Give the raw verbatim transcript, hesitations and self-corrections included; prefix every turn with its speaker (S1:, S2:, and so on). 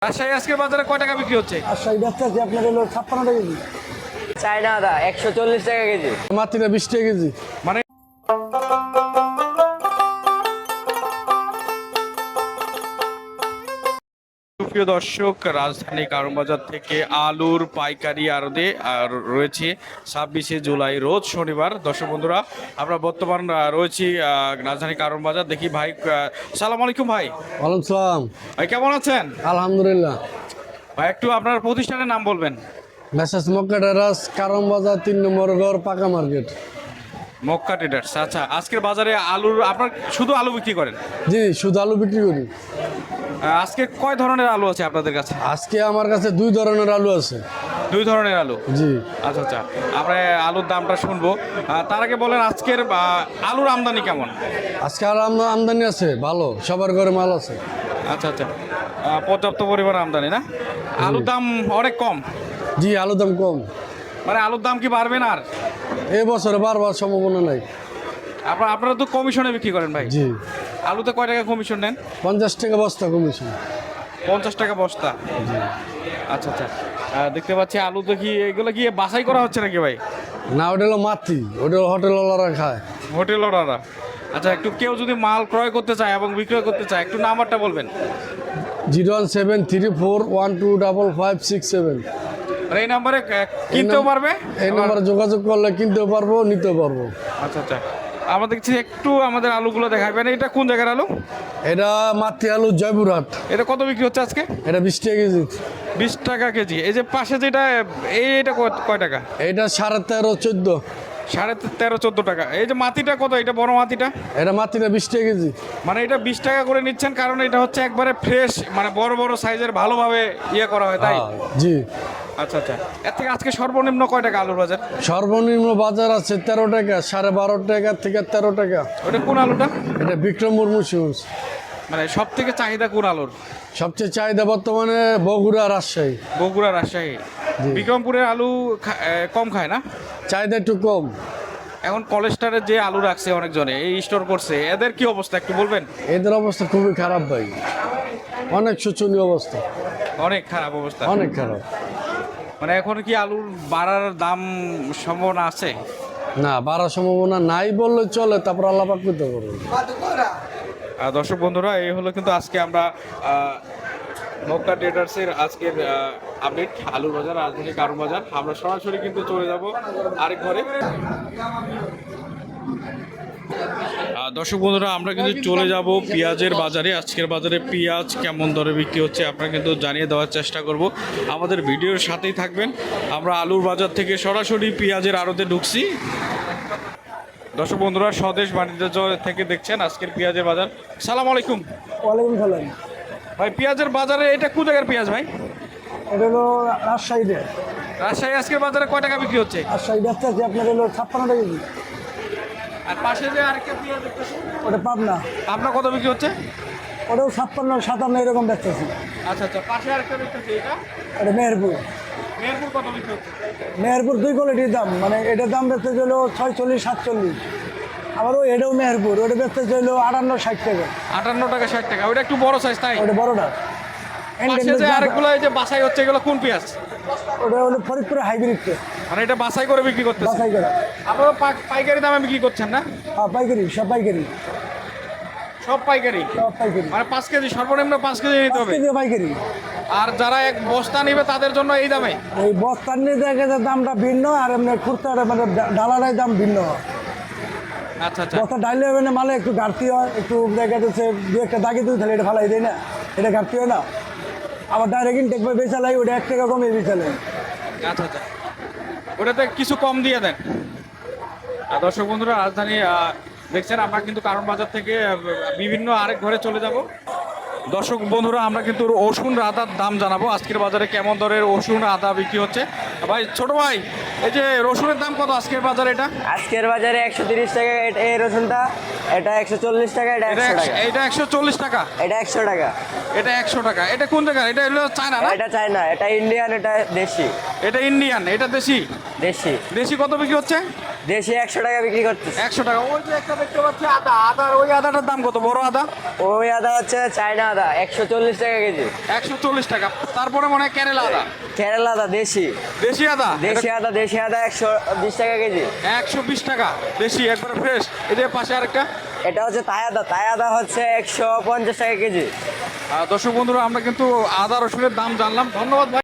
S1: রাজশাহী আজকের বাজারে কয় টাকা বিক্রি হচ্ছে?
S2: রাজশাহী ব্যস্ত আছে আপনার হলো ছাপ্পান্ন টাকা কেজি।
S3: চায়না আদা একশো চল্লিশ টাকা কেজি।
S2: মাত্রা বিশ টাকা কেজি।
S1: মানে প্রিয় দর্শক, রাজধানী কারণ বাজার থেকে আলুর পাইকারি আড়তে আর রয়েছে ছাব্বিশে জুলাই রোজ শনিবার। দর্শক বন্ধুরা, আমরা বর্তমান আহ, রয়েছি আহ, রাজধানী কারণ বাজার। দেখি ভাই, আহ, সালাম আলাইকুম ভাই।
S2: ওয়ালাইকুম সালাম।
S1: ভাই কেমন আছেন?
S2: আলহামদুলিল্লাহ।
S1: ভাই একটু আপনার প্রতিষ্ঠানের নাম বলবেন।
S2: মেসাজ মক্কা টেরাস কারণ বাজার তিন নম্বর ঘর পাকা মার্কেট।
S1: মক্কা ট্রেডার্স। আচ্ছা, আজকের বাজারে আলুর আপনার শুধু আলু বিক্রি করেন?
S2: জি, শুধু আলু বিক্রি করি।
S1: আহ, আজকে কয় ধরনের আলু আছে আপনাদের কাছে?
S2: আজকে আমার কাছে দুই ধরনের আলু আছে।
S1: দুই ধরনের আলু?
S2: জি।
S1: আচ্ছা আচ্ছা, আমরা আলুর দামটা শুনবো। আহ, তার আগে বলেন আজকের আহ, আলুর আমদানি কেমন?
S2: আজকে আর আম- আমদানি আছে ভালো, সবার ঘরে মাল আছে।
S1: আচ্ছা আচ্ছা, আহ, পর্যাপ্ত পরিমাণ আমদানি না? আলুর দাম অনেক কম?
S2: জি, আলুর দাম কম।
S1: মানে আলুর দাম কি বাড়বে না আর?
S2: এই বছরে বারবার সম্ভাবনা নাই।
S1: আপনার আপনারা তো কমিশনে বিক্রি করেন ভাই?
S2: জি।
S1: আলুতে কয় টাকা কমিশন নেন?
S2: পঞ্চাশ টাকা বস্তা কমিশন।
S1: পঞ্চাশ টাকা বস্তা? আচ্ছা আচ্ছা, আহ, দেখতে পাচ্ছি আলু তো কি এগুলো কি বাছাই করা হচ্ছে নাকি ভাই?
S2: না, ওটা হলো মাটি, ওটা হোটেলওয়ালারা খায়।
S1: Hotel order? আচ্ছা, একটু কেউ যদি মাল ক্রয় করতে চায় এবং বিক্রয় করতে চায়, একটু নাম্বারটা বলবেন।
S2: Zero one seven three four one two double five six seven.
S1: আর এই নাম্বারে আহ, কিনতেও পারবে?
S2: এই নম্বরে যোগাযোগ করলে কিনতেও পারবো, নিতেও পারবো।
S1: আচ্ছা আচ্ছা, আমাদের কাছে একটু আমাদের আলুগুলো দেখাবেন। এটা কোন জায়গার আলু?
S2: এটা মাতৃ আলু জয়পুরহাট।
S1: এটা কত বিক্রি হচ্ছে আজকে?
S2: এটা বিশ টাকা কেজি।
S1: বিশ টাকা কেজি। এই যে পাশে যেটা, এই এটা কয়- কয় টাকা?
S2: এটা সাড়ে তেরো চোদ্দ।
S1: সাড়ে তেরো চোদ্দ টাকা। এই যে মাটিটা কত? এটা বড় মাটিটা?
S2: এটা মাতৃটা বিশ টাকা কেজি।
S1: মানে এটা বিশ টাকা করে নিচ্ছেন কারণ এটা হচ্ছে একবারে ফ্রেশ, মানে বড় বড় সাইজের, ভালোভাবে ইয়ে করা হয় তাই?
S2: হ্যাঁ, জি।
S1: আচ্ছা আচ্ছা, এর থেকে আজকে সর্বনিম্ন কয় টাকা আলুর বাজার?
S2: সর্বনিম্ন বাজার আছে তেরো টাকা, সাড়ে বারো টাকা থেকে তেরো টাকা।
S1: ওটা কোন আলুটা?
S2: এটা বিক্রম মুর্মু সিউজ।
S1: মানে সব থেকে চাহিদা কোন আলুর?
S2: সবচেয়ে চাহিদা বর্তমানে বগুড়া, রাজশাহী।
S1: বগুড়া, রাজশাহী। বিক্রমপুরের আলু খা- এ, কম খায় না?
S2: চাহিদা একটু কম।
S1: এখন কলেস্টারের যে আলু রাখছে অনেকজনে, এই স্টোর করছে, এদের কি অবস্থা একটু বলবেন?
S2: এদের অবস্থা খুবই খারাপ ভাই, অনেক শোচনীয় অবস্থা,
S1: অনেক খারাপ অবস্থা।
S2: অনেক খারাপ।
S1: মানে এখন কি আলুর বাড়ার দাম সম্ভাবনা আছে?
S2: না, বাড়ার সম্ভাবনা নাই বললে চলে, তারপর আল্লাহ পাক করতে পারবে।
S1: আহ, দর্শক বন্ধুরা, এই হলো কিন্তু আজকে আমরা আহ, মক্কা ট্রেডার্সের আজকের আপডেট আলুর বাজার, রাজধানী কারণ বাজার। আমরা সরাসরি কিন্তু চলে যাব আরেক ঘরে। আহ, দর্শক বন্ধুরা, আমরা কিন্তু চলে যাব পেঁয়াজের বাজারে। আজকের বাজারে পেঁয়াজ কেমন দরে বিক্রি হচ্ছে আপনারা কিন্তু জানিয়ে দেওয়ার চেষ্টা করব। আমাদের ভিডিওর সাথেই থাকবেন। আমরা আলুর বাজার থেকে সরাসরি পেঁয়াজের আড়তে ঢুকছি। দর্শক বন্ধুরা, স্বদেশ বাণিজ্য থেকে দেখছেন আজকের পেঁয়াজের বাজার। সালাম আলাইকুম
S2: ওয়ালাইকুম সালাম।
S1: ভাই। পেঁয়াজের বাজারে এটা কোন জায়গার পেঁয়াজ ভাই?
S2: এটা হলো রাজশাহীতে।
S1: রাজশাহী আজকের বাজারে কয় টাকা বিক্রি হচ্ছে?
S2: রাজশাহী ব্যস্ত আছে আপনার হলো ছাপ্পান্ন টাকা কেজি।
S1: আর পাশে যে আরেকটা পেঁয়াজ দেখতেছি,
S2: ওটা পাবনা,
S1: আপনার কত বিক্রি হচ্ছে?
S2: ওটাও ছাপ্পান্ন সাতান্ন এরকম ব্যস্ত আছে।
S1: আচ্ছা আচ্ছা, পাশে আরেকটা দেখতেছি, এটা
S2: এটা মেহেরপুর।
S1: মেহেরপুর কত বিক্রি হচ্ছে?
S2: মেহেরপুর দুই কোয়ালিটির দাম, মানে এটার দাম বেচতে হলো ছয়চল্লিশ সাতচল্লিশ। আবার ওই এটাও মেহেরপুর, ওটা বেচতে হলো আটান্ন ষাট টাকা।
S1: আটান্ন টাকা ষাট টাকা। ওটা একটু বড় সাইজ তাই?
S2: ওটা বড়টা।
S1: পাশে যে আরেকগুলো এই যে বাছাই হচ্ছে, এগুলো কোন পেঁয়াজ?
S2: ওটা হলো ফরিদপুরে হাইব্রিডকে
S1: মানে এটা বাছাই করে বিক্রি করতেছে?
S2: বাছাই করা।
S1: আপনারা পা- পাইকারি দামে বিক্রি করছেন না?
S2: হ্যাঁ, পাইকারি, সব পাইকারি,
S1: সব পাইকারি?
S2: সব পাইকারি।
S1: মানে পাঁচ কেজি, সর্বনিম্ন পাঁচ কেজি নিতে হবে।
S2: কেজি পাইকারি।
S1: আর যারা এক বস্তা নিবে তাদের জন্য এই দামে?
S2: এই বস্তার নিয়ে দেখা যায় দামটা ভিন্ন, আর এমনি খুচরার মানে ডালারাই দাম ভিন্ন হয়।
S1: আচ্ছা আচ্ছা,
S2: বস্তা ডাইলে মানে মালে একটু ঘাটতি হয়, একটু দেখা যাচ্ছে দু একটা দাগে দুই তাহলে এটা ফালাই দেয় না, এটা ঘাটতি হয় না। আবার ডাইরেক্ট ইনটেক বা বেচালাই ওটা এক টাকা কমে বেচালাই।
S1: আচ্ছা আচ্ছা, ওটাতে কিছু কম দিয়ে দেন। আর দর্শক বন্ধুরা, রাজধানী আহ, দেখছেন আমরা কিন্তু কারণ বাজার থেকে আহ, বিভিন্ন আরেক ঘরে চলে যাব। দর্শক বন্ধুরা, আমরা কিন্তু রসুন আদার দাম জানাবো আজকের বাজারে কেমন দরের রসুন আদা বিক্রি হচ্ছে। ভাই ছোট ভাই, এই যে রসুনের দাম কত আজকের বাজারে? এটা
S3: আজকের বাজারে একশো তিরিশ টাকা এটা- এই রসুনটা, এটা একশো চল্লিশ টাকা, এটা
S1: এটা
S3: একশো
S1: একশো-
S3: টাকা,
S1: এটা একশো চল্লিশ টাকা,
S3: এটা একশো টাকা।
S1: এটা একশো টাকা। এটা কোন জায়গা? এটা হলো চায়না না?
S3: এটা চায়না, এটা ইন্ডিয়ান, এটা দেশি।
S1: এটা ইন্ডিয়ান, এটা দেশি।
S3: দেশি
S1: দেশি কত বিক্রি হচ্ছে?
S3: দেশি একশো টাকা বিক্রি করতেছে।
S1: একশো টাকা। ওই যে একটা দেখতে পাচ্ছি আদা, আদার ওই আদাটার দাম কত? বড় আদা
S3: ওই আদা হচ্ছে চায়না আদা, একশো চল্লিশ টাকা কেজি।
S1: একশো চল্লিশ টাকা। তারপরে মনে হয় কেরালা আদা,
S3: কেরালা আদা দেশি,
S1: দেশি আদা,
S3: দেশি আদা দেশি আদা একশো বিশ টাকা কেজি।
S1: একশো বিশ টাকা দেশি, একবারে ফ্রেশ। এদের পাশে আরেকটা,
S3: এটা হচ্ছে তাই আদা, তাই আদা হচ্ছে একশো পঞ্চাশ টাকা কেজি।
S1: আহ, দর্শক বন্ধুরা আমরা কিন্তু আদা রসুনের দাম জানলাম। ধন্যবাদ ভাই।